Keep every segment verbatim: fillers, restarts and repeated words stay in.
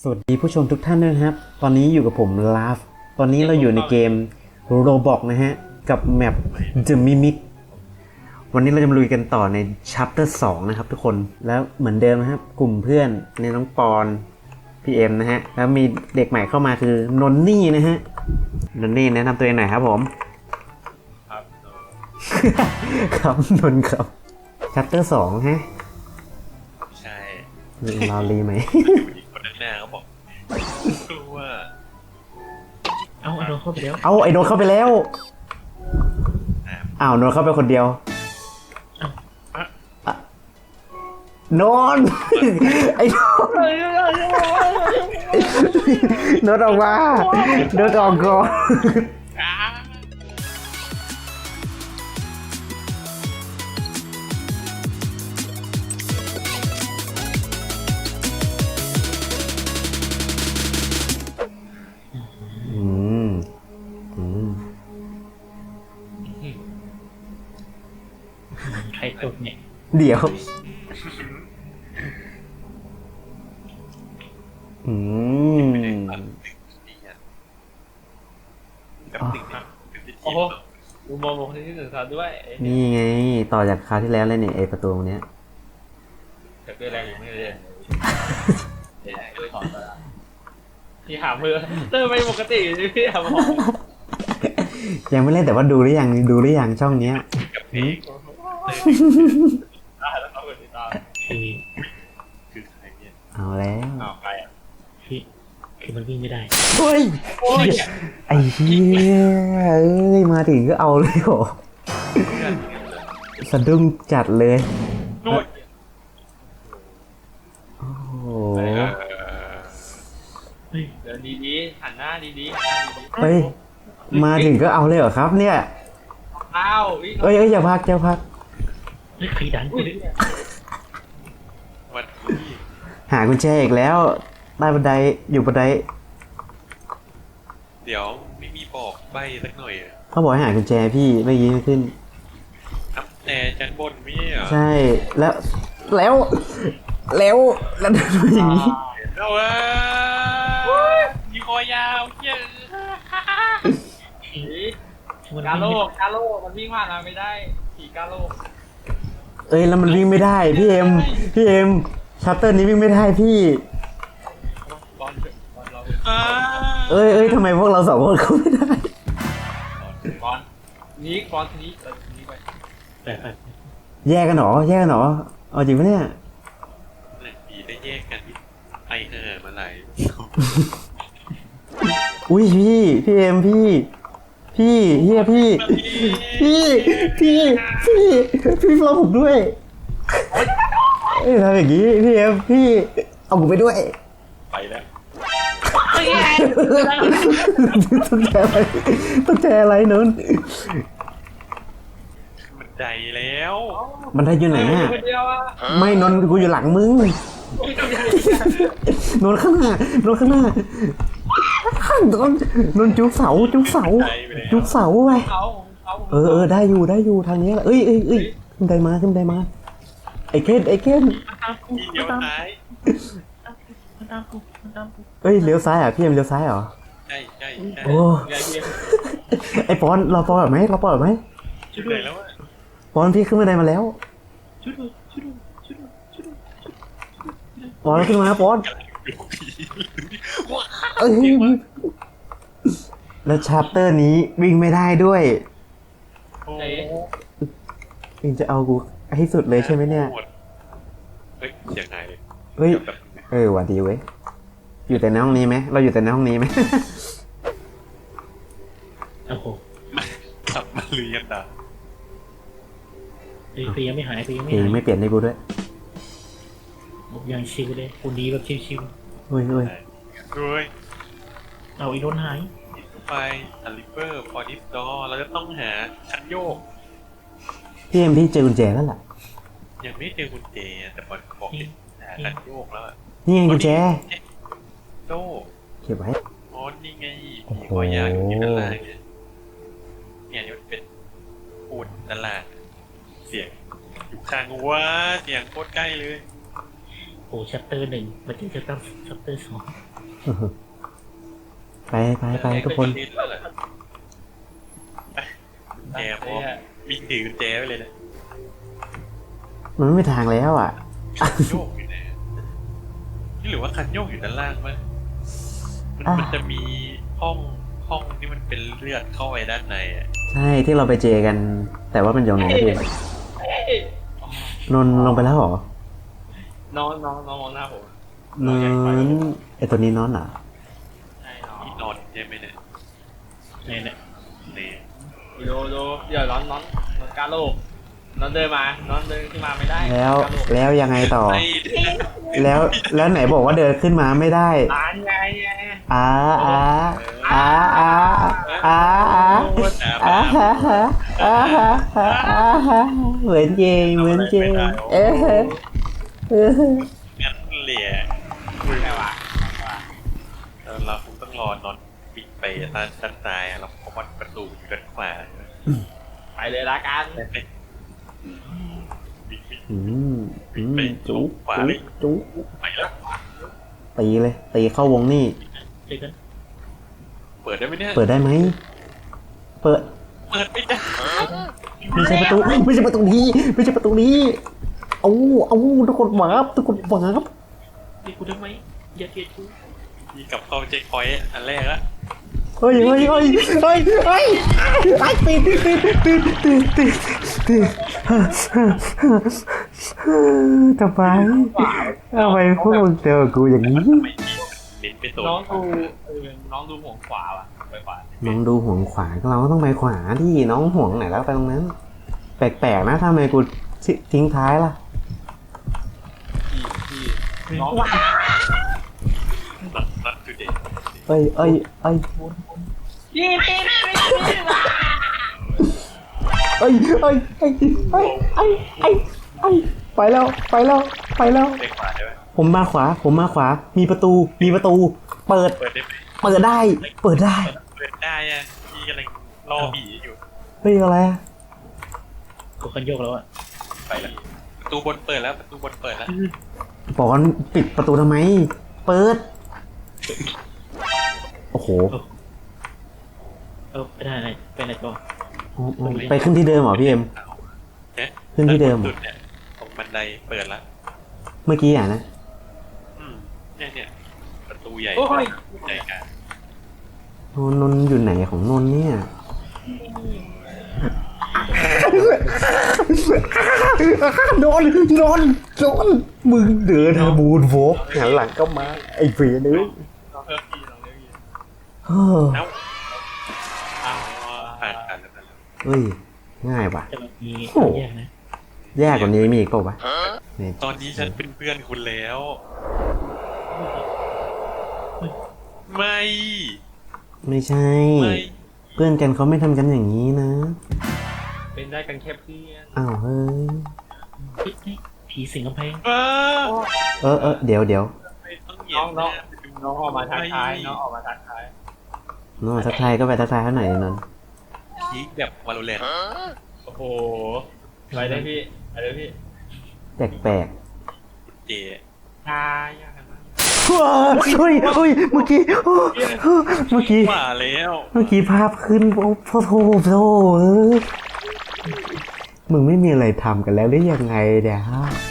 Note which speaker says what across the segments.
Speaker 1: สวัสดีผู้ชมทุกท่านด้วยนะครับ ตอนนี้อยู่กับผมลาฟตอนนี้เราอยู่ในเกม Roblox นะฮะ กับแมป The Mimic วันนี้เราจะมาลุยกันต่อใน Chapter สองนะครับทุกคน แล้วเหมือนเดิมนะครับ กลุ่มเพื่อนในน้องปอน พี่เอ็มนะฮะ แล้วมีเด็กใหม่เข้ามาคือนนนี่นะฮะ นนนี่แนะนำตัวเองหน่อยครับผม
Speaker 2: ครับ
Speaker 1: ครับนนครับ Chapter สองฮะ
Speaker 2: ใช่
Speaker 1: รอรีไหม
Speaker 2: คนข้างหน้าเขาบอกกลัว
Speaker 3: เอาไอ้โดนเข้าไปแล้ว
Speaker 1: เอาไอ้โนนเข้าไปแล้ว
Speaker 2: อ่ะ
Speaker 1: อ้าวโนนเข้าไปคนเดียว
Speaker 2: อ่ะ
Speaker 1: โนน ไอ้โนนโนนออกมาโนนออกก่อน
Speaker 2: อ่ะ
Speaker 1: อืมอืม
Speaker 3: ใครตกเนี่ย
Speaker 1: เดี๋ยวอืม
Speaker 2: ไม่ได้ตัดนี่อ่ะแบบหนึ่งเนี่ยเป็นที่
Speaker 4: โอ้โหดูมองลงที่สื่อสารด้วย
Speaker 1: นี่ไง ต่อจากคราวที่แล้วเลยเนี่ยไอประตูตรงเนี้ย
Speaker 4: เกิดด้วยแรงอยู่ไม่เลยเดี๋ยวด้วยถอนมาพี่หามือเริ่มไม่ปกติพี่หามือ
Speaker 1: ยังไม่เล่นแต่ว่าดูหรือยังดูหรือยังช่องเนี้ย
Speaker 2: กับเพลง
Speaker 4: ได้แล้วเขาเป็นติดตาม
Speaker 3: คือ
Speaker 2: คือใครเนี่ย
Speaker 1: เอาแล้ว
Speaker 4: อ้าวใครอ่ะ
Speaker 3: คือคือมันวิ่งไม่ได้
Speaker 1: เฮ้ย
Speaker 4: โอ้ย
Speaker 1: ไอ้เหี้ยเอ้ยมาถึงก็เอาเลยโห
Speaker 2: เพื่อน
Speaker 1: สะดุ้งจัดเลย
Speaker 4: นู่น
Speaker 1: โอ้โห
Speaker 2: เออ
Speaker 3: เฮ้ย
Speaker 4: เดินดีๆหันหน้าดีๆหันหน้าดี
Speaker 1: เฮ้ยมาถึงก็เอาเลยเหรอครับเนี่ย
Speaker 4: ๆอ้าว
Speaker 1: เอ้ยเอ้ยอย่าพักอย่าพัก
Speaker 3: เฮ้ยใครดันกูดิ
Speaker 2: วันนี้
Speaker 1: หากุญแจอีกแล้วใต้บันไดอยู่บันได
Speaker 2: เดี๋ยวไม่มีบอกใบสักหน่อยอ่ะ
Speaker 1: เขาบอกให้หากุญแจพี่ไม่ยิ้มขึ้น
Speaker 2: อัพแต่ชั้นบนไม่ใช่เหรอ
Speaker 1: ใช่แล้วแล้วแล้วแล้วเดินมาอย่างนี้
Speaker 2: เอาเว้ยมีคอยาวเย้ย
Speaker 4: ผี
Speaker 3: มัน
Speaker 4: กา
Speaker 3: วิ่ง
Speaker 4: โล
Speaker 3: ไม่
Speaker 4: กกาโลกมันวิ่งผ่านมาไม่ได้ผีกาโลก
Speaker 1: เอ้ยแล้วมันวิ่งไม่ได้พี่เอ็มพี่เอ็มชัตเตอร์นี้วิ่งไม่ได้พี่
Speaker 4: บอลบอลเรา
Speaker 2: อ่า
Speaker 1: เอ้ยเอ้ยทำไมพวกเราสองคนเข้าไม่ได้
Speaker 4: บอลนี้บอลทีนี้เออทีนี้ไป
Speaker 3: ไปไป
Speaker 1: แยกกันเหรอแยกกันเหรอเอาจริงปะเนี่ย
Speaker 2: หนึ่งปีได้แยกกันที่ไอเห่อมาไหลาย
Speaker 1: อุ้ยพี่พี่เอ็มพี่พี่เฮียพี่พี่พี่พี่พี่รอผมด้วยเอ้ยทำอย่างงี้พี่เอ็มพี่เอาผมไปด้วย
Speaker 2: ไปแล้ว
Speaker 1: ต้องแชร์อะไรต้องแชร์อะไรนนท์
Speaker 2: มันใจแล้ว
Speaker 1: มันได้อยู่ไหนอ่ะ
Speaker 4: คนเดียวอ่ะ
Speaker 1: ไม่นนท์กูอยู่หลังมึงนนท์ข้างหน้านนท์ข้างหน้าข้างนนท์นนท์จุกเสาจุกเสาจุกเสาไป
Speaker 4: เขาเขา
Speaker 1: เออเออได้อยู่ได้อยู่ทางนี้แหละเอ้ยเอ้ยเอ้ยขึ้นไดมาขึ้นไดมาไอ้เคนไอ้เคน
Speaker 3: มันตามกู
Speaker 2: ทีเดียว
Speaker 3: มันตาม
Speaker 2: ซ้าย
Speaker 3: มันตามกูมันตามกู
Speaker 1: เอ้ยเลี้ยวซ้ายอ่ะพี่เอ็มเลี้ยวซ้ายเหรอ
Speaker 2: ใช่ใช่ใช่
Speaker 1: โอ้
Speaker 4: ใหญ่เยี่ยม
Speaker 1: ไอ้ปอนเราปอนแบบไหมเราปอนแบบไหม
Speaker 2: ช่วยเลยแล้วอ่ะ
Speaker 1: ปอนพี่ขึ้นมาไดมาแล้ว
Speaker 3: ช่วยด้วยช่วยด้วยช่วยด้วยช่วยด้วย
Speaker 1: ปอนขึ้นมาปอน
Speaker 2: ดูผีว้า
Speaker 1: เอ้ยแล้วชาร์เตอร์นี้วิ่งไม่ได้ด้วย
Speaker 2: โอ้
Speaker 1: มึงจะเอากูให้สุดเลยใช่ไหมเนี่ย
Speaker 2: เฮ้ยเสียงไหนเลย
Speaker 1: เฮ้ย
Speaker 2: แบบ
Speaker 1: เออหวัดดีเว้ยอยู่แต่ในห้องนี้ไหมเราอยู่แต่ในห้องนี้ไหม
Speaker 3: โอ้โห
Speaker 2: กลับมาเรียนอ่ะ
Speaker 3: เฮ้ยเพลงยังไม่หายเพลงยัง
Speaker 1: เพ
Speaker 3: ไม่
Speaker 1: ลง
Speaker 3: หาย
Speaker 1: ไม่เปลี่ยนให้กูด้วย
Speaker 3: ยังชิวเลยคนดีแบบชิว
Speaker 1: เฮ้ยเฮ้ย
Speaker 2: ด้วย
Speaker 3: ๆเอาอีโดนหาย
Speaker 2: ไปอัลลิเวอร์ฟอร์ดิฟดอเราจะต้องหาชั้นโยก
Speaker 1: พี่เอ็มพี่เจอกุญแจแล้วล่ะ
Speaker 2: ยังไม่เจอกุญแจแต่บอลบอกเห็นหาชั้นโยกแล้วอะ
Speaker 1: นี่ไงกุญแจ
Speaker 2: โต้
Speaker 1: เก็บไว้
Speaker 2: อ๋อนี่ไง
Speaker 1: โอ้โห
Speaker 2: มีคอยาวอยู่ที่ด้านล่างเนี่ยเนี่ยนี่มันเป็นปูนด้านล่างเสียงอยู่ข้างหัวเสียงโคตรใกล้เลย
Speaker 3: โอ้ชัปเตอร์หนึ่งมาเจอชัปเตอร์ชัปเตอร์สอง
Speaker 1: ไปไปไปทุกคน
Speaker 2: เล่นแล้วเหรอไปแจพร้อมวิ่งถือกุญแจไปเลยนะ
Speaker 1: มันไม่มีทางแล้วอ่ะ
Speaker 2: คันโยกอยู่ไหนนี่หรือว่าคันโยกอยู่ด้านล่างมั้ยมัน
Speaker 1: อ่ะ
Speaker 2: มันจะมีห้องห้องที่มันเป็นเลือดเข้าไปด้านในอ่ะ
Speaker 1: ใช่ที่เราไปเจอกัน แต่ว่ามันอยู่ไหนพี่นนท์ลงไปแล้วเหรอ
Speaker 4: น้องน้องน้องมองหน้าผม
Speaker 1: นอนไอตัวนี้นอนเหรอ
Speaker 4: ใช่น้อง
Speaker 2: ที่นอนใช่ไหมเนี่ย
Speaker 3: เนี่ยเนี่ย
Speaker 2: เนี่ย
Speaker 4: ดูดูเดี๋ยวน้องน้องน้องกล้าโลกน้องเดินมาน้องเดินขึ้นมาไม่ได้
Speaker 1: แล้ว
Speaker 4: กล้าโลก
Speaker 1: แล้วยังไงต่อ
Speaker 2: ไอ้
Speaker 1: แล้วแล้วไหนบอกว่าเดินขึ้นมาไม่ได้
Speaker 4: ร้านไงไง
Speaker 1: อ้าอ้าอ้าอ้าอ้าอ้าอ้าฮะฮะอ้าฮะฮะอ้าฮะเหมือนเจงเหมือนเจงเออเออ
Speaker 2: งั้นเหลี่ย
Speaker 4: คุยไงวะ
Speaker 2: เราเราคงต้องรอนอนปิดไปด้านด้านซ้ายอะเราเพราะว่าประตูอยู่ด้านขวาใช่ไหม
Speaker 4: ไปเลยละกัน
Speaker 2: ปิดปิด
Speaker 1: อืมอืมจุ๊จุ๊จุ๊
Speaker 2: ไปแล้ว
Speaker 1: ตีเลยตีเข้าวงนี่
Speaker 3: เด็กกัน
Speaker 2: เปิดได้ไหมเนี่ย
Speaker 1: เปิดได้ไหมเปิด
Speaker 2: เปิดไม่ได้
Speaker 1: ไม่ใช่ประตูไม่ใช่ประตูนี้ไม่ใช่ประตูนี้เอาเอาทุกคนวาบทุกคนวาบ
Speaker 3: เด็กกูทำไมอย่าเกลียดกู
Speaker 2: มีกับเข้าเช็คพอยต์อันแรกละ
Speaker 1: เฮ้ยเฮ้ยเฮ้ยเฮ้ยเฮ้ยไอ้ตีตีตีตีตีตีตีทำไมทำไมพวกมึงเจอกูอย่างนี้
Speaker 2: ทำไมลิ้นไปโดน
Speaker 4: น้องดูเออน้องดูห่วงขวาว่ะไปขวา
Speaker 1: น้องดูห่วงขวาเราก็ต้องไปขวาที่น้องห่วงไหนแล้วไปตรงนั้น แปลกๆนะทำไมกูทิ้งท้ายล่ะ
Speaker 4: ที่ที่น้อง
Speaker 2: นัดนัดคือเด็ก
Speaker 1: เอ้ยเอ้ยเอ้ย
Speaker 4: พี่พี่พี่พี่
Speaker 1: เอ้ยเอ้ยเอ้ยเอ้ยเอ้ยเอ้ยเอ้ยไปแล้วไปแล้วไปแล้ว
Speaker 2: เช็คขวาได้ไหม
Speaker 1: ผมมาขวา ผมมาขวา มีประตู มีประตู เปิด
Speaker 2: เปิดได้ไหม
Speaker 1: เปิดได้ เปิดได้
Speaker 2: เปิดได้อะพี่กำลังรอผีอยู่
Speaker 1: เฮ้ยอะไรอะ
Speaker 3: กูคันโยกแล้วอ่ะ
Speaker 2: ไปแล้วประตูบนเปิดแล้วประตูบนเปิดแล้ว
Speaker 1: บอกว่าปิดประตูทำไม เปิด โอ้โห
Speaker 3: เออไปได้ไหนไปไหนต่อ
Speaker 1: ไปขึ้นที่เดิมเหรอพี่เอ็ม
Speaker 2: เนี่ย
Speaker 1: ขึ้นที่เดิมเหรอ
Speaker 2: สุดเนี่ยตรงบันไดเปิดละ
Speaker 1: เมื่อกี้อ่ะนะ
Speaker 2: อืมเนี่ยเนี่ยประตูใหญ่
Speaker 4: โอ้ย
Speaker 2: ใหญ่กลาง
Speaker 1: นนท์นนท์อยู่ไหนของนนท์เนี่ยโดนโดนโดนมึงเดินบูนโวกหันหลังก็มา ไอ้เฟียนึง
Speaker 4: น้องเพิ่มพี่น้องเพิ่มพี่
Speaker 1: เฮ้อ
Speaker 2: เอ้า
Speaker 4: อ้าว
Speaker 2: ผ่านผ่านแล้วผ่านแล้ว
Speaker 1: เฮ้ย ง่ายว่ะ
Speaker 3: จะแบบมีแยกนะ
Speaker 1: แย่กว่านี้มีอีกเปล่าวะเนี่ย
Speaker 2: ตอนนี้ฉันเป็นเพื่อนคุณแล้ว ไม่
Speaker 1: ไม่ใช่
Speaker 2: ไม่
Speaker 1: เพื่อนกันเขาไม่ทำกันอย่างนี้นะ
Speaker 4: เป็นได้กันแค่เพื่อน
Speaker 1: อ้าวเฮ้ย
Speaker 3: เฮ้ยเฮ้ยผีสิงกำแพง
Speaker 2: เออ
Speaker 1: เออเออเดี๋ยวเดี๋ยว
Speaker 2: ไม่ต้องเหยีย
Speaker 4: น้
Speaker 2: บ
Speaker 4: องน้อง
Speaker 2: หาไปดู
Speaker 4: น้องออกมาทักทายน้องออกมาทักทาย
Speaker 1: น้องทักทายก็ไปทักทายเขาหน่อยนนท์
Speaker 2: พีคแบบวาโลแรนต์
Speaker 4: โอ้โหไปเลยพี่ไปเลยพี่
Speaker 1: แปลกแปลก
Speaker 2: คุณเจ
Speaker 4: ทายยากกันมาก
Speaker 1: ๆว้าเฮ้ยเฮ้ยเมื่อกี้เมื่อกี้
Speaker 2: ว่าแล้ว
Speaker 1: เมื่อกี้ภาพขึ้นโอ้โหโถโถเออมึงไม่มีอะไรทำกันแล้วหรือยังไงเดี๋ยว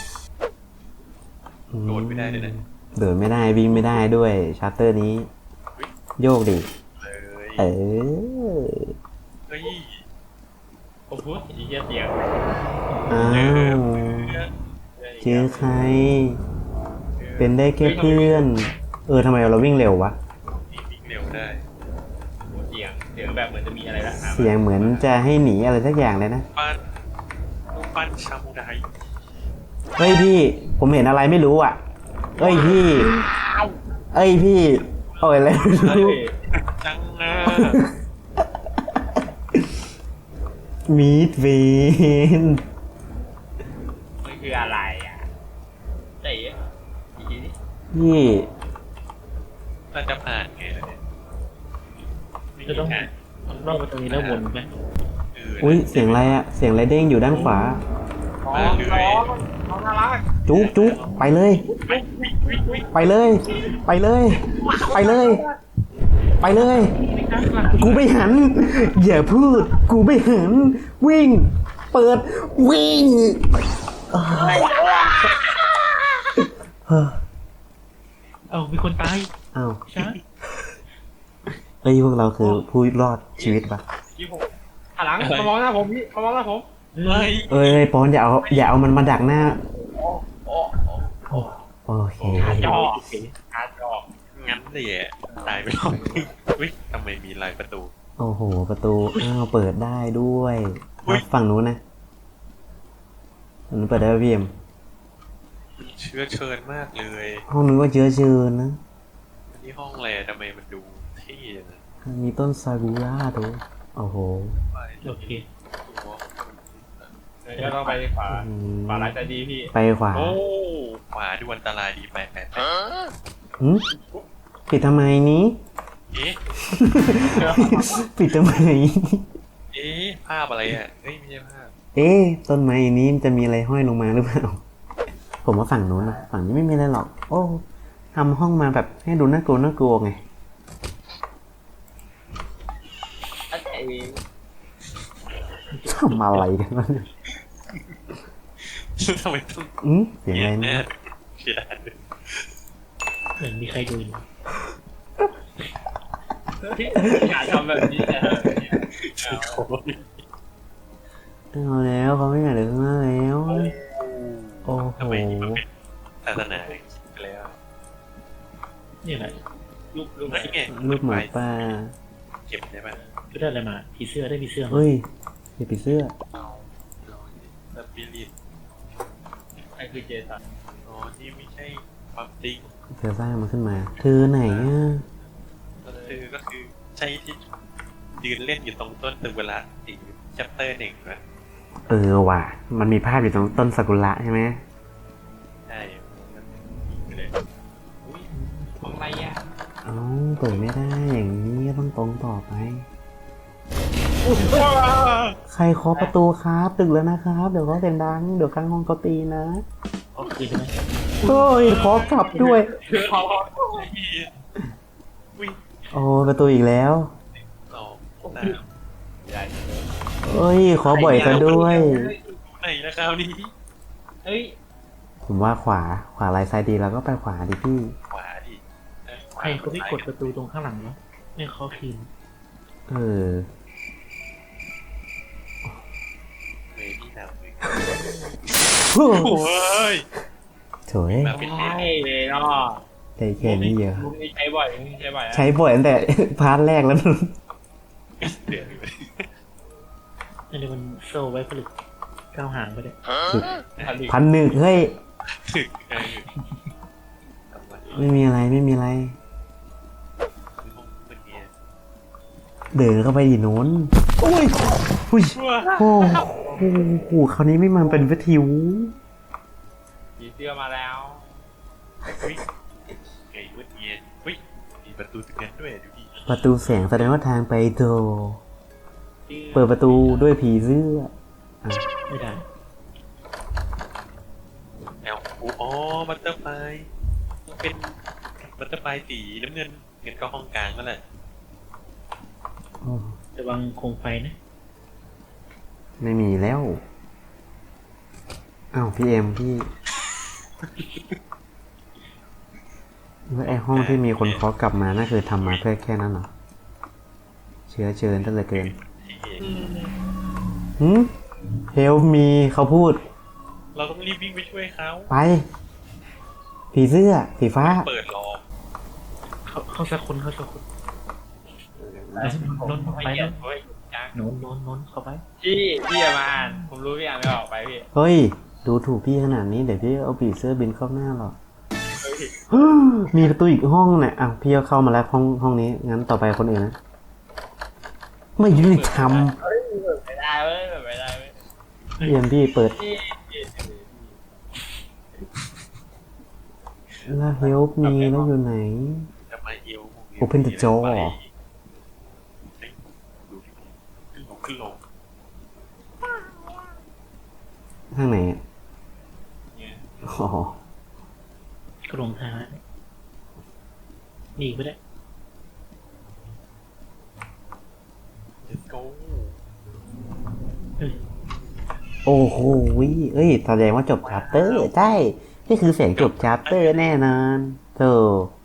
Speaker 2: โดดไม่ได้เลยนะ
Speaker 1: เดินไม่ได้วิ่งไม่ได้ด้วยชาร์เตอร์นี้ โยกดิ
Speaker 2: เลย
Speaker 1: เออ
Speaker 2: เฮ้ย
Speaker 4: ผมพูดอีกเสียง
Speaker 1: อ้า
Speaker 2: เจอ
Speaker 1: ว
Speaker 2: เพื่อน
Speaker 1: เจอใคร เป็นได้แค่เพื่อน เออทำไมเราวิ่งเร็ววะ
Speaker 2: วิ่งเร็วได้
Speaker 4: เสียงเสียงแบบเหมือนจะมีอะไรละ
Speaker 1: เสียงเหมือนจะให้หนีอะไรสักอย่างเลยนะ
Speaker 2: ปั้นรูปปั้นชามูได
Speaker 1: เฮ้ยพี่ ผมเห็นอะไรไม่รู้อ่ะ เอ้ยพี่ เอ้ยพี่โอ้ยอะไรไม่
Speaker 4: เฮ้
Speaker 1: รู้
Speaker 4: ย
Speaker 2: จังนะ
Speaker 1: มีดเวน
Speaker 4: มันคืออะไรอ่ะเตะอีกทีนี้
Speaker 1: พี่
Speaker 2: น่าจะผ่านไงล่ะเนี่ย
Speaker 3: จะต้องรอบไปตรงนี้แล้ววนไหม
Speaker 2: เออ
Speaker 1: อุ้ยเสียงอะไรอ่ะ เสียงอะไรเด้งอยู่ด้านขวา
Speaker 4: น้องน้องน้องน่ารัก
Speaker 1: จุกจุกไปเลย ไปเลย ไปเลย ไปเลย ไปเลย กูไม่หัน อย่าพูด กูไม่หัน วิ่ง เปิด วิ่งเอ้ยเฮ้อ
Speaker 3: เอ้ามีคนตาย
Speaker 1: อ้าว
Speaker 3: ใช่
Speaker 1: เฮ้ยพวกเราคือผู้รอดชีวิตปะ
Speaker 4: พี่ผมหันหลังมามองหน้าผมพี่มามองหน้าผม
Speaker 2: เฮ้ย
Speaker 1: เอ้ยปอนอย่าเอาอย่าเอามันมาดักหน้า
Speaker 4: โอ้โอ้
Speaker 1: โอเค
Speaker 4: จออาจอ
Speaker 2: งั้นเลยอ่ะตายไปรอบนึงอุ้ยทำไมมีลายประตู
Speaker 1: โอ้โห ประตู อ้าว เปิดได้ด้วย
Speaker 2: อุ๊ย
Speaker 1: ฝั่งนู้นนะฝั่งนู้นเปิดได้ป่ะพี่เอ็ม
Speaker 2: เชื้อเชิญมากเลย
Speaker 1: ห้องนู้นก็เชื้อเชิญนะ
Speaker 2: นี่ห้องอะไรทำไมมันดูเท่นะ
Speaker 1: มีต้นซากุระตัวโอ้โห
Speaker 2: ไป
Speaker 3: โอเค
Speaker 2: ตัว
Speaker 4: เดี๋ยวต้องไปขวา
Speaker 1: อืม
Speaker 4: ขวาร้ายใจดีพี่
Speaker 1: ไปขวา
Speaker 2: โอ้ขวาดูอันตรายดีไปไปไป
Speaker 1: หืมปิดทำไมนี้
Speaker 2: เอ๊ะ
Speaker 1: ปิดทำไม
Speaker 2: เอ๊ะภาพอะไรอ่ะเฮ้ยไม่ใช่ภาพ
Speaker 1: เอ๊ะต้นไม้นี้มันจะมีอะไรห้อยลงมาหรือเปล่า ผมว่าฝั่งนู้นนะฝั่งนี้ไม่มีอะไรหรอก โอ้ทำห้องมาแบบให้ดูน่ากลัวน่ากลัวไง
Speaker 4: ไอ้
Speaker 1: ทำอะไรกันวะเนี่ย
Speaker 2: ทำไมต้อง
Speaker 1: อืมเสียงอะไร
Speaker 2: แน่
Speaker 1: นะ
Speaker 2: เขียน
Speaker 3: เหมือนมีใครดูอยู่
Speaker 4: พี่อย่าทำแบบนี้นะ
Speaker 2: โอ้ย
Speaker 1: เอาแล้วเขาไม่อยากเดินข้างหน้าแล้ว โอ้โห
Speaker 2: ทำไมนี่มันเป็นศาสนาไปแล้ว
Speaker 3: นี่อะไร
Speaker 4: รูปรูป
Speaker 2: เฮ้ยไง
Speaker 1: รูปหมาป่า
Speaker 2: เก็บได้ป่ะ
Speaker 3: ก็ได้อะไรมาผีเสื้อได้ผีเสื้อมา
Speaker 1: เฮ้ยอย่าปิดเสื้อ
Speaker 2: สปิริต
Speaker 4: ไอ้คือเจสัน
Speaker 2: อ๋อนี่ไม่ใช่ความจริง
Speaker 1: เธอสร้างมันขึ้นมา เธอไหนอ่ะ
Speaker 2: ก็คือก็คือใช่ที่ยืนเล่นอยู่ตรงต้นตึกเวลาอีกชัปเตอร์หนึ่งนะ
Speaker 1: เออว่ะ มันมีภาพอยู่ตรงต้นซากุระใช่ไหม
Speaker 2: ใช่ไปเลย
Speaker 4: อุ้ยของอะไรอ่ะ
Speaker 1: เอ้าเปิดไม่ได้อย่างนี้ก็ต้องตรงต่อไป ใครเคาะประตูครับตึกแล้วนะครับ เดี๋ยวเขาเสียงดัง เดี๋ยวข้างห้องเขาตีนะ
Speaker 3: อ๋อคือใช่ไหม
Speaker 1: เฮ้ยขอกลับด้วย
Speaker 4: คือเขา
Speaker 2: วิ่ง
Speaker 1: โอ้ประตูอีกแล้ว
Speaker 2: สองสาม
Speaker 4: ใหญ่
Speaker 1: เอ้ยขอบ่อยซะด้วย
Speaker 2: ไหนนะคราวนี้
Speaker 4: เฮ้ย
Speaker 1: ผมว่าขวา ขวาลายซ้ายดีแล้วก็ไปขวาดิพี่
Speaker 2: ขวาดิเออขวา
Speaker 3: ใครเขาไม่กดประตูตรงข้างหลังวะไม่เขาคืน
Speaker 1: เออ
Speaker 2: เวที่นำเลย
Speaker 1: โอ้
Speaker 2: โอ้ย
Speaker 1: โถย
Speaker 2: มาเป็นเล่น
Speaker 4: ใช่เลยเนาะ
Speaker 1: ใจแค่นี้เยอะ
Speaker 4: มุมนี้ใช้บ่อยมุมนี้ใช้บ่อยอะ
Speaker 1: ใช้บ่อยตั้งแต่ พาร์ทแรกแล้ว
Speaker 2: เดือดเลย
Speaker 3: อันนี้มันโซ่ไว้ผลึกก้าวหางไปเลย
Speaker 4: ผลิต
Speaker 1: พันหนึ่งเฮ้ย
Speaker 2: ถึกเออทำไม
Speaker 1: ไม่มีอะไรไม่มีอะไร
Speaker 2: คือห้องเมื่อกี้
Speaker 1: เดินเข้าไปดิโน้นโอ้ยอุ้ย
Speaker 2: ชั่ว
Speaker 1: โอ้โหคราวนี้ไม่มาเป็นวิทยุ
Speaker 4: ผีเสื้อมาแล้ว
Speaker 2: อุ้ยไงเมื่อกี้อุ้ยมีประตูตรงนั้นด้วยดูดิ
Speaker 1: ประตูแสงแสดงว่าทางไปโดเปิดประตูด้วยผีเสื้ออ่ะ
Speaker 3: ไม่ได้
Speaker 2: แอลอ๋อบัตเตอร์ไฟเป็นบัตเตอร์ไฟสีน้ำเงินเงินก็ห้องกลางนั่นแหละ
Speaker 1: โอ้
Speaker 3: ระวังโคมไฟนะ
Speaker 1: ไม่มีแล้วอ้าวพี่เอ็มพี่แล้วไอห้องที่มีคนเคาะกลับมานั่นคือทำมาเพื่อแค่นั้นเหรอเชื้อเชิญตั้งแต่เกิน
Speaker 2: ที่
Speaker 1: หืมเฮลมีเขาพูด
Speaker 2: เราต้องรีบวิ่งไปช่วยเขา
Speaker 1: ไป ผีเสื้อผีฟ้า
Speaker 2: เปิดรอ
Speaker 3: เขาเขาสักคนเขาสักคนนนท์ไป
Speaker 4: ไม่เกีย
Speaker 3: น
Speaker 4: ด
Speaker 3: นท์
Speaker 4: เฮ้ยจัง
Speaker 3: นนท์นนท์นนท์เข้าไป
Speaker 4: พี่พี่อย่ามาอ่านผมรู้พี่อ่านไม่ออกไปพี่
Speaker 1: เฮ้ย ดูถูกพี่ขนาดนี้เดี๋ยวพี่เอาผีเสื้อบินเข้าหน้าหรอก
Speaker 4: เฮ้ย
Speaker 1: มีประตูอีกห้องเนี่ยอ่ะพี่ก็เข้ามาแล้วห้องห้องนี้ งั้นต่อไปคนอื่นนะ ไม่ยุติธรรม
Speaker 4: เฮ้ยเปิดไม่ได้เว้ยเปิดไม่ได้เว้ย
Speaker 1: เยี่ยมพี่เปิด
Speaker 4: พี่พี่
Speaker 1: แล้วเฮลมีแล้วอยู่ไหน
Speaker 2: จะมาเอว
Speaker 1: Open the door
Speaker 2: ดูดิขึ้นลงขึ้นลง
Speaker 1: ทางไหนอะอ๋อ
Speaker 3: ก็หลงทางแล้วมีอีกไปได้
Speaker 2: let's go
Speaker 3: เฮ้ย
Speaker 1: โอ้โหเอ้ยแสดงว่าจบชาปเตอร์ใช่นี่คือเสียงจบชาปเตอร์แน่นอนโธ่